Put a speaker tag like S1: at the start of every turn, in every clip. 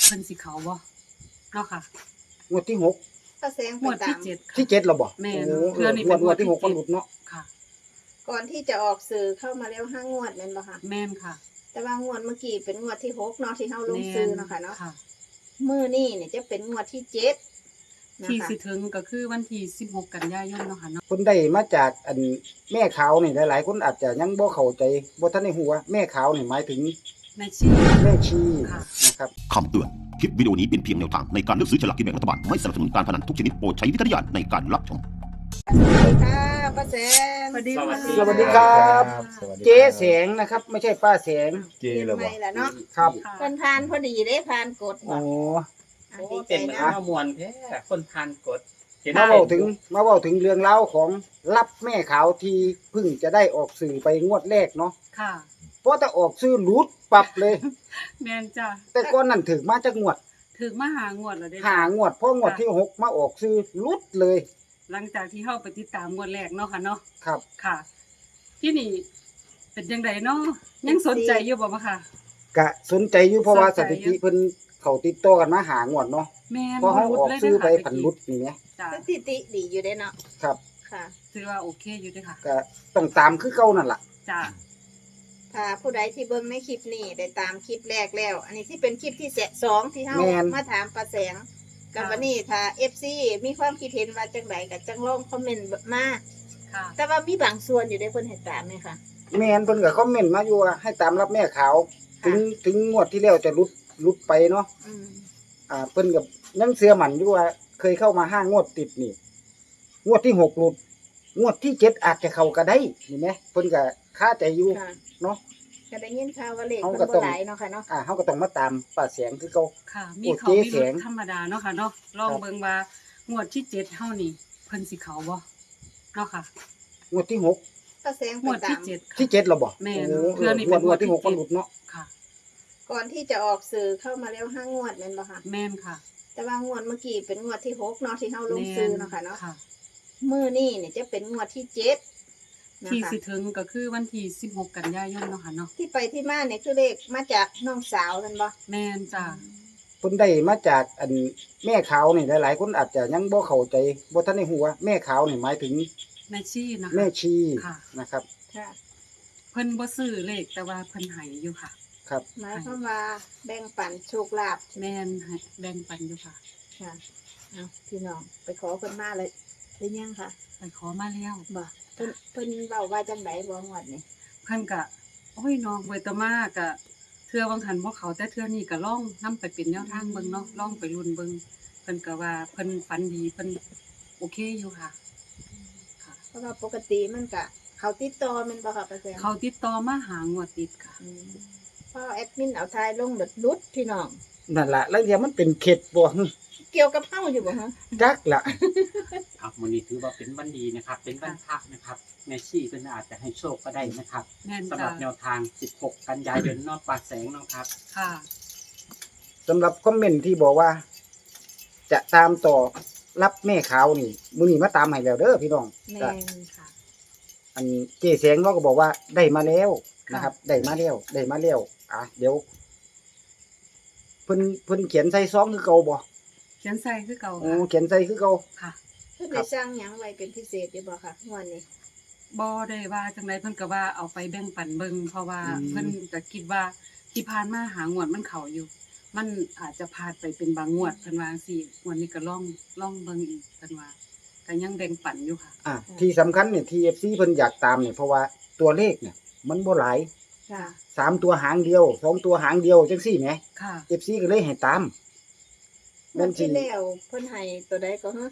S1: เพิ่นสิเขาบ่เนาะค่ะ
S2: งวดที่หก
S3: ป้าแสง
S1: ง
S3: ไป
S1: วด
S3: ตา
S1: ที่
S3: ม
S1: เจ็ด
S2: ที่เจ็ดเราบอก
S1: แม่น
S2: โอ้
S1: เทื่อนี้
S2: ง
S1: เป็
S2: วด
S1: นงวด
S2: ที่หก
S1: ที่
S2: มันหลุดเนาะ
S1: ค่ะ
S3: ก่อนที่จะออกสื่อเข้ามาแล้ว5 งวดแม่นบ่ค่ะ
S1: แม่นค่ะ
S3: แต่ว่างวดเมื่อกี้เป็นงวดที่6เนาะที่เฮาลง
S1: แม่
S3: ซื้อเนาะค่ะเนาะ
S1: ค่ะ
S3: มื้อนี้เนี่ยจะเป็นงวดที่7นะ
S1: ที่
S3: คะ
S1: สิถึงก็คือวันที่16กันยายนเนาะค่ะเนาะ
S2: คนได้มาจากอันแม่ขาวนี่หลายๆคนอาจจะยังบ่เข้าใจบ่ทันได้ฮู้ว่าแม่ขาวนี่หมายถึง
S1: ในชื่อ
S2: แม่ชี
S1: ค่ะ
S2: นะครับ
S4: คำเตือน คลิปวิดีโอนี้เป็นเพียงแนวทางในการเลือกซื้อฉลากกินแบ่งรัฐบาล ไม่สนับสนุนการพนันทุกชนิดโปรดใช้วิจารณญาณในการรับชม
S3: สวัสดีค่ะป้าแสง
S1: สวัสดีค่ะ
S2: สวัสดีครับ
S5: สวัสดีครับ
S2: เจ๊แสงนะครับ ไม่ใช่ป้าแสง
S5: เจเลย
S3: ให
S5: บ่
S3: ม่ละเนาะ
S2: ครับ
S1: ค่ะ
S3: เพิ่นผ่านพอดีเด้ผ่านกด
S2: โอ้
S3: อ่ะ
S6: โอ้
S3: ดีใจ
S6: เป็นเหมือน
S3: นะ
S6: ข้าวมวลแท้คนทานกดเห็น
S2: มาเว้าถึงเรื่องราวของรับแม่ขาวที่เพิ่งจะได้ออกสื่อไปงวดแรกเนาะ
S1: ค่ะ
S2: เพราะถ้าออกสื่อหลุดปรับเลย
S1: แม่นจ้ะ
S2: แต่ก่อนนั้นถึงมาจากงวด
S1: ถึงมาหางวดแล้วเด้
S2: หางวดเพราะงวดที่หกมาออกสื่อหลุดเลย
S1: หลังจากที่เฮาไปติดตามงวดแรกเนาะค่ะเนาะ
S2: ครับ
S1: ค่ะ ที่นี่เป็นจังไดเนาะยังสนใจอยู่บ่บ่ค่ะ
S2: กะสนใจอยู่เพราะว่า
S1: ส
S2: ส
S1: นใจ
S2: ถิ
S1: อยู่
S2: ติเพิ่นเขาติดต่อกันมาหางวดเนาะ
S1: แม่น
S2: พอเขาออกซื้อไป
S1: เด้
S2: ผันหลุดนี่ไง
S1: จ้ะ
S3: สถิติดีอยู่เด้เนาะ
S2: ครับ
S3: ค่ะ
S1: ถือว่าโอเคอยู่เด้อค่ะ
S2: ก็ต้องตามคือเก่านั่นล่ะ
S1: จ้ะ
S3: ถ้าผู้ใดที่เบิ่งในคลิปนี้ได้ตามคลิปแรกแล้ว อันนี้ที่เป็นคลิปที่สองที่เฮา
S2: แม่น
S3: มาถามป้าแสงกับวันนี้ถ้า FC มีความคิดเห็นว่าจังไดก็จังลองคอมเมนต์มา
S1: ค่ะ
S3: แต่ว่ามีบางส่วนอยู่ได้เพิ่นเห็นตามไหมคะ
S2: แม่นเพิ่นก็คอมเมนต์มาอยู่ว่าให้ตามรับแม่ขาว ถึงงวดที่แล้วจะหลุดไปเนาะ
S3: อืม
S2: เพิ่นก็ยังเชื่อมั่นอยู่ว่าเคยเข้ามา5 งวดติดนี่งวดที่6หลุดงวดที่7อาจจะเข้าก็ได้นี่แหมเพิ่นก็คาใจอยู่
S3: ค่ะ
S2: เนาะ
S3: ก็ได้ยินข่าวว่าเลข
S2: เอา
S3: เพิ่
S2: ก็
S3: น
S2: ต้
S3: บ่
S2: อง
S3: หลายเนาะค่ะเนาะ
S2: เฮาก็ต้องมาตามป้าแสงคือเก่า
S1: ค่ะ มี
S2: โอ้
S1: เขา
S2: เจ๊
S1: มี
S2: แส
S1: รุ
S2: ง
S1: ธรรมดาเนาะค่ะเนาะลองเบิ่งว่างวดที่7เฮานี่เพิ่นสิเขาบ่เนาะค่ะ
S2: งวดที่หก
S3: ป้าแสง
S1: ง
S3: ไป
S1: วด
S3: ตา
S1: ที่
S3: ม
S1: 7ค่ะ
S2: ที่7แล้วบ่
S1: แม่น
S2: โอ้
S1: เทื่อนี้เป็น
S2: งวดที่
S1: ง
S2: ห
S1: ว
S2: ก
S1: ดที่
S2: มันหลุดเนาะ
S1: ค่ะ
S3: ก่อนที่จะออกสื่อเข้ามาแล้ว5 งวดแม่นบ่คะ
S1: แม่นค่ะ
S3: แต่ว่างวดเมื่อกี้เป็นงวดที่6เนาะที่เฮาลงซื้อเนาะค่ะเนาะ
S1: ค่ะ
S3: มื้อนี้เนี่ยจะเป็นงวดที่7นะ
S1: ที่
S3: คะ
S1: สิถึงก็คือวันที่16กันยายนเนาะค่ะเนาะ
S3: ที่ไปที่มาเนี่ยคือเลขมาจากน้องสาวแม่นบ่
S1: แม่นจ้ะ
S2: เพิ่นได้มาจากอันแม่ขาวนี่หลายๆคนอาจจะยังบ่เข้าใจบ่ทันได้ฮู้ว่าแม่ขาวนี่หมายถึง
S1: ในชื่อนะคะ
S2: แม่ชี
S1: ค่ะ
S2: นะครับ
S3: ค่ะ
S1: เพิ่นบ่ซื้อเลขแต่ว่าเพิ่นให้อยู่ค่ะ
S2: ครับ
S3: หมายความว่าแบ่งปันโชคลาภ
S1: แม่นให้แบ่งปันอยู่ค่ะ
S3: ค่ะเอาพี่น้องไปขอเพิ่นมาเลยหรือยังค่ะ
S1: ไปขอมาแล้ว
S3: บ่เพิ่นเว้าว่าจังไดบ่งวดนี่
S1: เพิ่นก็โอ้ยน้องเวตมาก็เทื่อบางหันบ่เขาแต่เทื่อนี้ก็ลองนํไปเป็นแนวทางเบิ่งเนาะลองไปลุ้นเบิ่งเพิ่นก็ว่าเพิ่นฝันดีเพิ่นโอเคอยู่ค่ะ ค่ะ
S3: เพราะว่าปกติมันก็เขาติดต่อแม่นบ่ค่ะป้าแซม
S1: เขาติดต่อมาหางวดติดค่ะ
S3: อืมพอแอดมินเอาทายลงเดดลุดพี่น้อง
S2: นั่นล่ะแล้วเดี๋ยวมันเป็นเข็ดบ่
S3: เกี่ยวกับเฮาอยู่บ่ฮะ
S2: จักล่ะ
S6: ครับวันนี้ถือว่าเป็นวันดีนะครับ เป็นวันพระนะครับแม่ชีเป็นอาจจะให้โชคก็ได้นะครับ
S1: แม่น
S6: สำห
S1: จ้ะ
S6: รับแนวทาง 16 กันยายนนอกปากแสงเนาะครับ
S1: ค่ะ
S2: สำหรับคอมเมนต์ที่บอกว่า จะตามต่อรับแม่ขาวนี่มื้อนี้มาตามให้แล้วเด้อพี่น้อง
S3: แม่
S2: ก็
S3: น
S1: ค่ะ
S2: อันเจ๊แสงเราก็บอกว่าได้มาแล้ว
S1: ค่ะ
S2: นะครับ ได้มาแล้วเดี๋ยวเพิ่นเขียนใส่ซองคือเก่าบ่
S1: เขียนใส่คือเก่า
S2: โอ้
S1: ค่ะ
S2: เขียนใส่คือเก่า
S1: ค่ะ
S3: เพิ่นได้สร้างหยังไว้เป็นพิเศษอยู่บ่ค่ะงวดนี้
S1: บ่ได้ว่าจังไดเพิ่นก็ว่าเอาไปแบ่งปันเบิ่งเพราะว่าเพิ่นก็คิดว่าที่ผ่านมาหางวดมันเข้าอยู่ มันอาจจะพลาดไปเป็นบางงวดเพิ่นว่าจังซี่งวดนี้ก็ลองเบิ่งอีกเพิ่นว่าก็ยังแบ่งปันอยู่ค่ะ
S2: ที่สำคัญเนี่ย TFC เพิ่นอยากตามเนี่ยเพราะว่าตัวเลขเนี่ย มันบ่หลาย
S3: ค่ะ
S2: 3 ตัวหางเดียว2 ตัวหางเดียวจังซี่แหม
S1: ค่ะ
S2: FC ก็เลยให้ตาม
S3: งวดที่แล้วเพิ่นให้ตัวใดก็ฮะ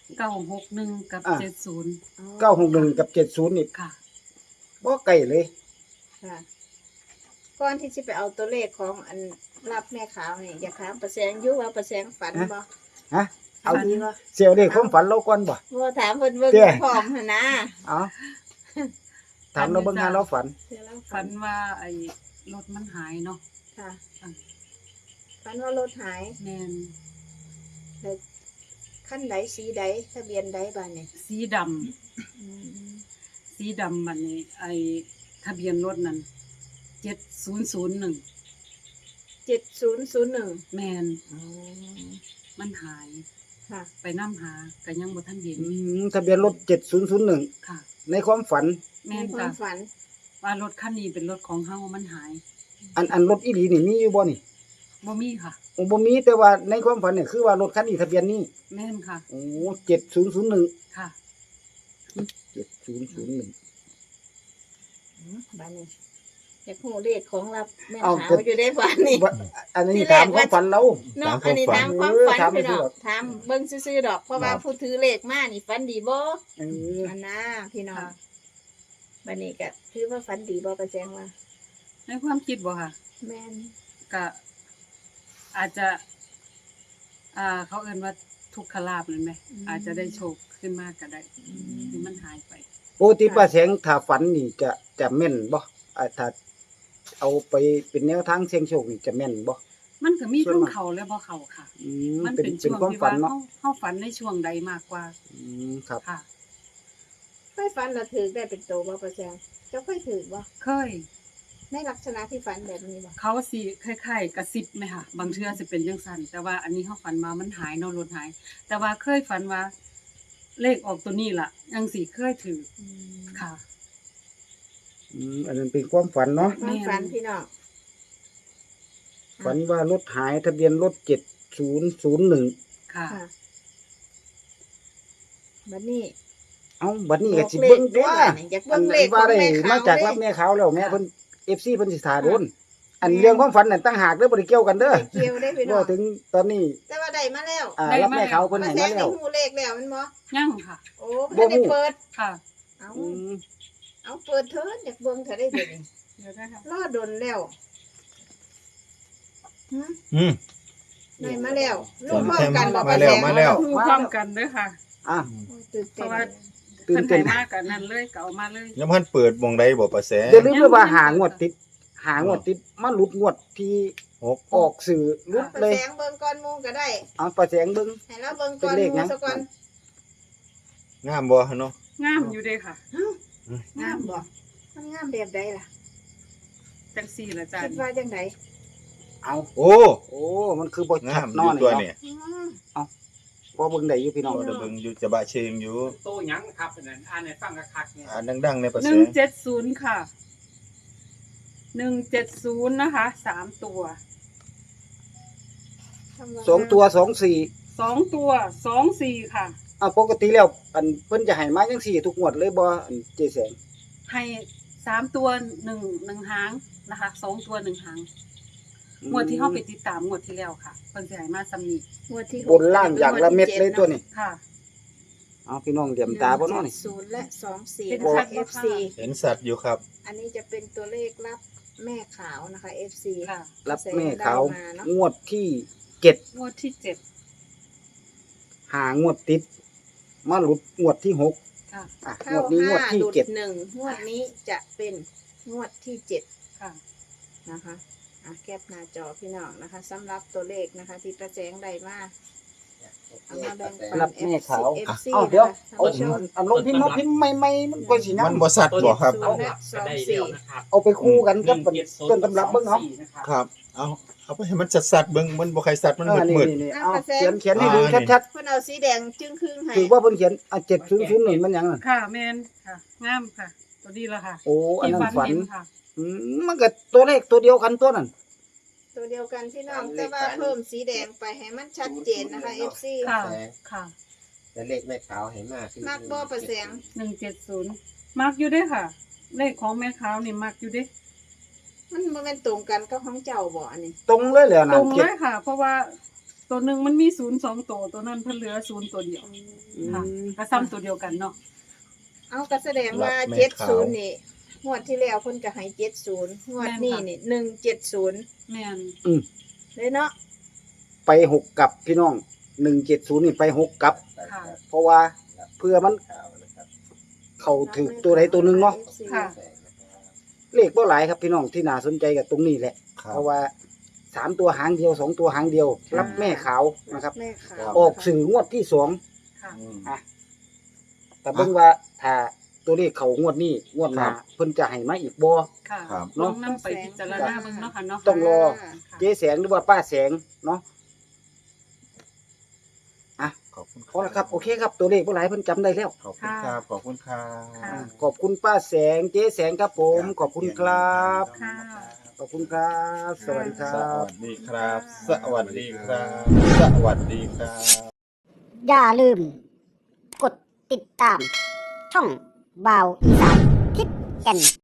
S1: 961กับ
S2: อ่า
S1: 70
S3: อ๋อ
S2: 961กับ70นี่
S1: ค่ะ
S2: บ่ใกล้เลย
S3: ค่ะก่อนที่จะไปเอาตัวเลขของอันรับแม่ขาวนี่อยากถามประแสงอยู่ว่าประแสงฝันบ่
S2: ฮะ
S3: เอาดีบ่
S2: เสียวเลขความฝันเราก่อนบ่
S3: บ่ถามเพิ่นเบิ่ง
S2: เจ้
S3: พร้อมหั่นนะ
S2: เอาถามเราเบิ่งหาเราฝัน
S3: เดี๋ยวเรา
S1: ฝันว่าไอ้รถมันหายเนาะ
S3: ค่ะ
S1: อ่า
S3: ฝันว่ารถหาย
S1: แม่น
S3: แล้วคันใดสีใดทะเบียนใดบ้านนี่
S1: สีดำ
S3: อืม
S1: สีดำบัดนี้ไอ้ทะเบียนรถนั้น7001
S3: 7001
S1: แม่น
S3: อ๋อ
S1: มันหาย
S3: ค่ะ
S1: ไปนำหาก็ยังบ่ทันเห็น
S2: ทะเบียนรถ7001
S1: ค่ะ
S2: ในความฝัน
S1: แม่น
S3: ในควา
S1: ค่ะ
S3: มฝัน
S1: ว่ารถคันนี้เป็นรถของเฮามันหาย
S2: อันรถอีหลีนี่มีอยู่บ่นี่
S1: บ่มีค่ะ
S2: โอ้บ่มีแต่ว่าในความฝันเนี่ยคือว่ารถคันนี้ทะเบียนนี้
S1: แม่นค่ะ
S2: โอ้7001
S1: ค่ะ
S2: 7001
S3: บ้านนี้อยากฮู้เลขของรับแม่
S2: เอา
S3: ขาว
S2: ก็
S3: อยู่ได้บ้านนี้
S2: ว่าอันนี้ถามความฝันเรา
S3: เนาะอันนี้ถามความฝัน
S2: ถาม
S3: พี่น้อง
S2: ซื่อๆดอก
S3: ถามเบิ่งซื่อๆดอกเพราะว่าผู้ถือเลขมานี่ฝันดีบ่
S2: เออ
S3: อันน่ะพี่น้อง
S1: ค่ะ
S3: บัดนี้ก็ถือว่าฝันดีบ่ประแจงว่า
S1: ในความคิดบ่ค่ะ
S3: แม่น
S1: ก็อาจจะ เขาเอิ้นว่าทุกขลาภนั่นไหมอาจจะได้โชคขึ้นมากก็ได้ที่มันหายไป
S2: ปกติป้าแสงถ้าฝันนี่จะแม่นบ่ถ้าเอาไปเป็นแนวทางเสี่ยงโชคนี่จะแม่นบ่
S1: มันก็มี
S2: ส่วน
S1: ทั้ง
S2: มาก
S1: เขาและบ่เขาค่ะ
S2: มั
S1: มัน น
S2: เป็น
S1: เป็น
S2: เป็น
S1: ช่วง
S2: ความ
S1: ที่
S2: ฝั
S1: ว่าน
S2: เนาะ
S1: เฮาฝันในช่วงใดมากกว่า
S2: ครับ
S1: ค่ะ
S3: เคยฝันแล้วถือได้เป็นโตบ่ประแจงเจ้าเคยถือบ่
S1: เคย
S3: ในลักษณะที่ฝันแบบนี้บ่
S1: เขาสิคล้ายๆกระซิบไหมค่ะ บางเทื่อสิเป็นจังซั่นแต่ว่าอันนี้เฮาฝันมามันหายเนาะรถหาย แต่ว่าเคยฝันว่า เลขออกตัวนี้ล่ะจังสิเคยถือค่ะ
S2: อันนั้นเป็นความฝันเนาะ
S3: ความฝันพี่น้อง
S2: ฝันว่ารถหายทะเบียนรถ7001
S1: ค่ะ
S3: ค่ะบัดนี้
S2: เอ้าบัดนี้ก็สิ
S3: เล
S2: เบิ่
S3: ข
S2: ง
S3: ได้
S2: ว่า
S3: ล่ะนี่อยาก
S2: อั
S3: เบิ่
S2: น
S3: งเลขข
S2: ว่า
S3: อง
S2: ได้
S3: แม่ขาว
S2: มาจากรับแม่ขาวแล้วแม่เพิ่น FC เพิ่นสิท่าโดนอันเรื่องความฝันนั่นต่างหากเด้อบ่ได้เกี่ยวกันเด้อ
S3: ไปเกี่ยวได้พี่น้
S2: บ่
S3: อง
S2: ถึงตอนนี้
S3: แต่ว่าได้มาแล้ว
S1: ได้
S2: รับ
S1: มา
S2: แม่
S1: แล้ว
S2: ขาวเพิ่น
S3: ประ
S2: ให้
S3: แจ
S2: มาง แล้
S3: ได้
S2: ว
S3: ฮู้เลขแล้วมันบ่
S1: ยังค่ะ
S3: โอ้บ่ได้เปิด
S1: ค่ะ
S3: เอา
S2: อืม
S3: เอาเปิดเถิดอยากเบิ่งเถอะได้เดี๋ยวนี้
S1: เดี๋ยวได้ค่ะ
S3: รอดนแล้วหึ
S5: อืม
S3: ได้มาแล้วลู
S5: ฝ
S3: ก
S5: น
S3: พร้อ
S5: เต็
S3: ม
S5: ม
S3: กันบ่
S5: มาแล้ว
S3: ประจง
S5: มาแล้ว
S1: ฮู้พร้อมกันเด้อค่ะ
S2: อ่ะ
S3: โอ้ยตื่น
S1: เพ
S3: เต้น
S1: ราะว่า
S2: ตื่
S1: เพิ่
S2: น
S1: น
S2: เต้
S1: ให้
S2: น
S1: มากกันนั่นเลยก็เอามาเลย
S5: ยังพันเปิดวงใดบ่ประแส
S2: อย่าลืมด้วยว่าหางวดติดมาหลุดงวดที่
S5: หก
S2: ออกสื่อหลุด
S3: ประ
S2: เลย
S3: แสงเบิ่งก่อนหมู่ก็ได้
S2: เอาประแสงเบิ่ง
S3: ให้เราเบิ่งก่อน
S2: เป็นเล
S3: ห
S2: ขหยั
S3: มู่
S2: ง
S3: ซะก่อน
S5: งามบ่เนาะ
S1: งามอยู่เด้ค่ะ
S3: งามบ่มันงามแบบใดล่ะ
S1: จังซี่ล่ะจ้ะ
S3: คิดว่าจังได
S2: เอา
S5: โอ้
S2: โอ้มันคือบ่
S5: งา
S2: ชัด
S5: ม
S2: น
S5: อ
S2: อยู่ น
S5: ตัว
S2: นี่
S5: เนี่ย
S3: อืม
S2: พอเบิ่งได้อยู่พี่น้อง
S5: บ่ได้เบิ่งอยู่จะบะเชงอยู่
S6: โตหยังครับอันนั้นอ่านให้ฟังคักๆเนี่ย
S5: อ่านดังๆในประแส
S1: 170ค่ะ170นะคะ3ตัว
S3: ทำว่า
S2: สองตัว24
S1: 2ตัว24ค่ะ
S2: อ่ะปกติแล้วอันเพิ่นจะให้มาจังซี่ทุกงวดเลยบ่อันเจแสง
S1: ให้3ตัว1หางนะคะ2ตัว1หางงวดที่เฮาไปติดตามงวดที่แล้วค่ะเพิ่นสิให้มาซ้ำนี้
S3: งวดที่
S2: บนล่างอย่างละเม็ดเลยตัวนี้
S1: ค่ะ
S2: เอาพี่น้องเหลี่ยมตาบ่เนาะนี่
S3: 0และ24
S1: เป็น
S3: นะคะ
S1: ชัดบ่คะ
S3: FC
S5: เห็นสัตว์อยู่ครับ
S3: อันนี้จะเป็นตัวเลขรับแม่ขาวนะคะ FC
S1: ค่ะ
S2: รับแม่เขา
S3: แสงดาวมาเนอะ
S2: งวดที่7
S1: งวดที่7
S2: หางวดติด มาหลุดงวดที่6
S1: ค่ะ
S2: อ่ะง
S3: เข้าว
S2: ดนี้งวด
S3: 5
S2: ที่
S3: หลุด
S2: 7
S3: 1งวดนี้จะเป็นงวดที่7
S1: ค่ะ
S3: นะคะแคปหน้าจอพี่น้องนะคะสำหรับตัวเลขนะคะ ที่ประแจงได้มาเอามาแบ่งปัน
S2: รับแม่ขาว
S3: FC
S2: เอาเดี๋ยว
S3: นะคะ
S2: เอา
S3: ท่านผู้ชม
S2: อันลงพิมพ์มาพิมพ์ใหม่ๆมันก็สิงา
S5: มั
S2: ม
S5: นบ่สัตว์บ่ครับ
S6: เอาหลับก็ได้แล้วนะครับ
S2: เอาไปคู่กันกับต้นตำรับเบิ่งเอา
S5: ครับ เอาไปให้มันสัตว์ๆเบิ่งมันบ่ใครสัตว์มัน
S2: นี่
S5: มืด
S2: นี่เอาเขียนให้ดูชัด
S3: เพิ่นเอาสีแดงจึงครึ่งให้
S2: ๆถือว่าเพิ่นเขียน7001มันหยังน่ะ
S1: ค่ะแมนค่ะงามค่ะ ตัวนี้ละค่ะ
S2: โอ้อัน
S1: ที่
S2: นั้น
S1: ฝัน
S2: ฝัน
S1: เห็นค่ะ
S2: มันก็ตัวเลขตัวเดียวกันตัวนั้น
S3: ตัวเดียวกันพี่น้องแต่ว่าเพิ่มสีแดงไปให้มันชัดเจนนะคะ FC
S1: ค่ะค่ะ
S7: แต่เลขแม่ขาวเห็นมากขึ้น
S3: มักบ่ประแสง
S1: 170มักอยู่เด้อค่ะ เลขของแม่ขาวนี่มักอยู่เด้อ
S3: มันบ่แม่นตรงกันกับของเจ้าบ่อันนี้
S2: ตรงเลยแหละ
S1: ต
S2: นะ
S1: รงเลยค่ะ เพราะว่าตัวหนึ่งมันมี02ตัวตัวนั้นเพิ่นเหลือ0ตัวเดียวค่ะก็ซ้ำตัวเดียวกันเนาะ
S3: เอาก็แสดงว่า
S5: รับแม่ขาว
S3: 70นี่งวดที่แล้วเพิ่นก็ให้70งวดนี้นี่170
S1: แม่น
S3: เลยเนาะ
S2: ไป6กับพี่น้อง170นี่ไป6กับ
S1: ค่ะ
S2: เพราะว่าเพื่อมันเข้าถึกตัวใดตัวหนึงเนาะ
S1: ค่ะ
S2: เลขบ่หลายครับพี่น้องที่น่าสนใจกับตรงนี้แหละ
S5: ครั
S2: เพ
S5: บ
S2: ราะว่า3ตัวหางเดียว2ตัวหางเดียว รับแม่ขาวนะครับ
S3: แม่ขาว
S2: ออกสื่องวดที่2
S1: ค่ะ
S5: อืม
S2: แต่เบิ่งว่าถ้าตัวเลขเขางวดนี้งวดหน้าเพิ่นจะให้มาอีกบ่
S1: ค่ะ
S5: ครับ
S1: ลองนำไปพิจารณาเบิ่งเนาะค่ะเนาะ
S2: ต้องรอ
S1: ค่ะ
S2: เจ๊แสงหรือว่าป้าแสงเนาะ
S5: ขอบคุณ
S2: พอแล้วครับโอเคครับตัวเลขบ่หลายเพิ่นจำได้แล้ว
S5: ขอบคุณครับขอบคุณครับ
S1: ค่ะ
S2: ขอบคุณป้าแสงเจ๊แสงครับผมขอบคุณครับ
S1: ค่ะ
S2: ขอบคุณครับ สวัสดีค
S5: ส
S2: รับ
S5: วัสดีครับ สวัสดีครับ สวัสดีครับ
S8: อย่าลืม กดติดตาม ช่องบ่าวอีสานทิศแก่น